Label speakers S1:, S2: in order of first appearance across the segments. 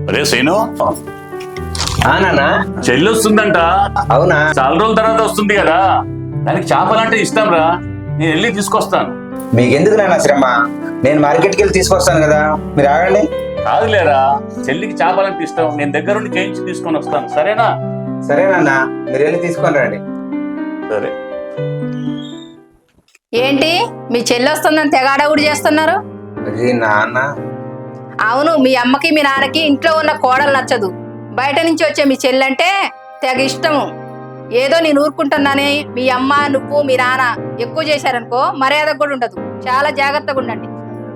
S1: రే శ్రీను,
S2: నాన్న.
S1: చెల్లి వస్తుందంట.
S2: అవునా?
S1: చాలా రోజుల తర్వాత వస్తుంది కదా, దానికి చేపలంటే ఇష్టం రా. నేను వెళ్ళి తీసుకొస్తాను.
S2: మీకెందుకు నాన్న శ్రమ? నేను మార్కెట్కి వెళ్ళి తీసుకొస్తాను కదా, మీరు ఆగండి.
S1: కాదులేరా, చెల్లికి చేపలంటే ఇష్టం. నేను దగ్గరుండి చేయించి తీసుకొని వస్తాను, సరేనా?
S2: సరేనన్నా, మీరు వెళ్ళి తీసుకొని రండి.
S1: సరే.
S3: ఏంటి మీ చెల్లి వస్తుందని తెగాడ కూడా చేస్తున్నారు?
S2: అది నాన్న.
S3: అవును, మీ అమ్మకి మీ నాన్నకి ఇంట్లో ఉన్న కోడలు నచ్చదు. బయట నుంచి వచ్చే మీ చెల్లంటే తెగ ఇష్టము. ఏదో నేను ఊరుకుంటున్నానే, మీ అమ్మ నువ్వు మీ నాన్న ఎక్కువ చేశారనుకో మర్యాద కూడా ఉండదు. చాలా జాగ్రత్తగా ఉండండి.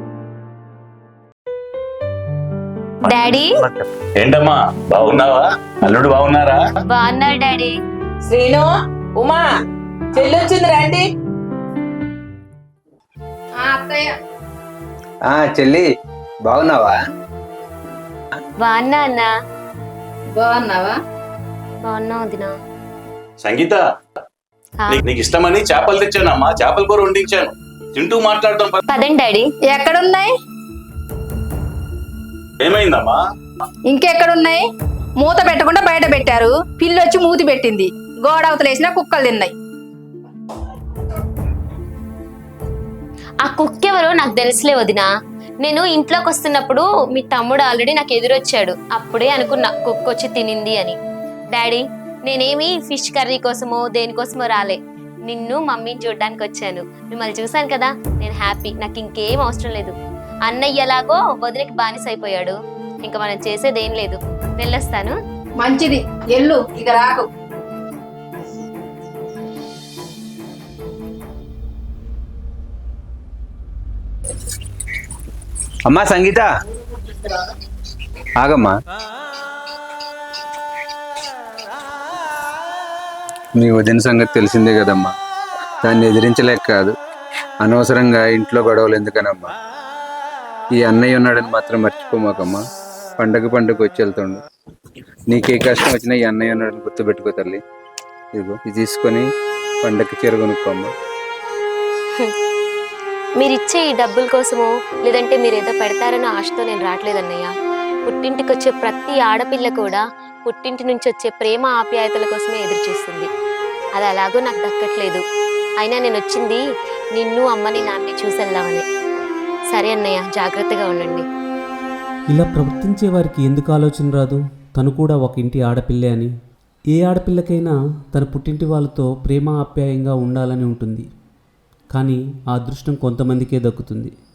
S4: డాడీ.
S1: ఏంటమ్మా, బాగున్నావా? అల్లుడు బాగున్నారా?
S4: బాగున్నారు డాడీ.
S5: శ్రీను, ఉమా, చెల్లొచ్చింది రండి.
S3: అత్తయ్య.
S2: చెల్లి బాగున్నావా?
S4: బాగున్నా అన్నా.
S3: బాగున్నావా?
S4: బాగున్నా వదినా.
S1: సంగీత, నీకు ఇష్టమని చేపలు తెచ్చానమ్మా. చేపల కూర వండించాను, తింటూ మాట్లాడదాం.
S4: పదండి డాడీ.
S3: ఎక్కడున్నాయి?
S1: ఏమైందమ్మా?
S3: ఇంకెక్కడున్నాయి? మూత పెట్టకుండా బయట పెట్టారు. పిల్లొచ్చి మూతి పెట్టింది. గోడ అవతలేసిన కుక్కలు తిన్నాయి.
S4: ఆ కుక్క ఎవరో నాకు తెలుసులే వదినా. నేను ఇంట్లోకి వస్తున్నప్పుడు మీ తమ్ముడు ఆల్రెడీ నాకు ఎదురొచ్చాడు. అప్పుడే అనుకున్నా కుక్క వచ్చి తినింది అని. డాడీ, నేనేమి ఫిష్ కర్రీ కోసమో దేనికోసమో రాలే. నిన్ను మమ్మీని చూడడానికి వచ్చాను. మిమ్మల్ని చూశాను కదా, నేను హ్యాపీ. నాకు ఇంకేం అవసరం లేదు. అన్నయ్య ఎలాగో వదిలికి బానిస అయిపోయాడు. ఇంకా మనం చేసేదేం లేదు. వెళ్ళొస్తాను.
S3: మంచిది, ఎల్లు, ఇక రాకు.
S2: అమ్మా సంగీత, ఆగమ్మా. మీ వదిన సంగతి తెలిసిందే కదమ్మా. దాన్ని ఎదిరించలేక కాదు, అనవసరంగా ఇంట్లో గొడవలు ఎందుకనమ్మా. ఈ అన్నయ్య ఉన్నాడని మాత్రం మర్చిపోమాకమ్మా. పండగ వచ్చి వెళ్తుండు. నీకే కష్టం వచ్చినా ఈ అన్నయ్య ఉన్నాడని గుర్తుపెట్టుకో తల్లి. ఇదిగో ఇది తీసుకొని పండగకి చీర కొనుక్కోమ్మా.
S4: మీరిచ్చే ఈ డబ్బుల కోసమో లేదంటే మీరు ఏదో పెడతారన్న ఆశతో నేను రావట్లేదన్నయ్య. పుట్టింటికి వచ్చే ప్రతి ఆడపిల్ల కూడా పుట్టింటి నుంచి వచ్చే ప్రేమ ఆప్యాయతల కోసమే ఎదురు చూస్తుంది. అది అలాగో నాకు దక్కట్లేదు. అయినా నేను వచ్చింది నిన్ను అమ్మని నాన్ని చూసెళ్దామని. సరే అన్నయ్య, జాగ్రత్తగా ఉండండి.
S6: ఇలా ప్రవర్తించే వారికి ఎందుకు ఆలోచన రాదు? తను కూడా ఒక ఇంటి ఆడపిల్లే అని. ఏ ఆడపిల్లకైనా తన పుట్టింటి వాళ్ళతో ప్రేమ ఆప్యాయంగా ఉండాలని ఉంటుంది. కానీ ఆ అదృష్టం కొంతమందికే దక్కుతుంది.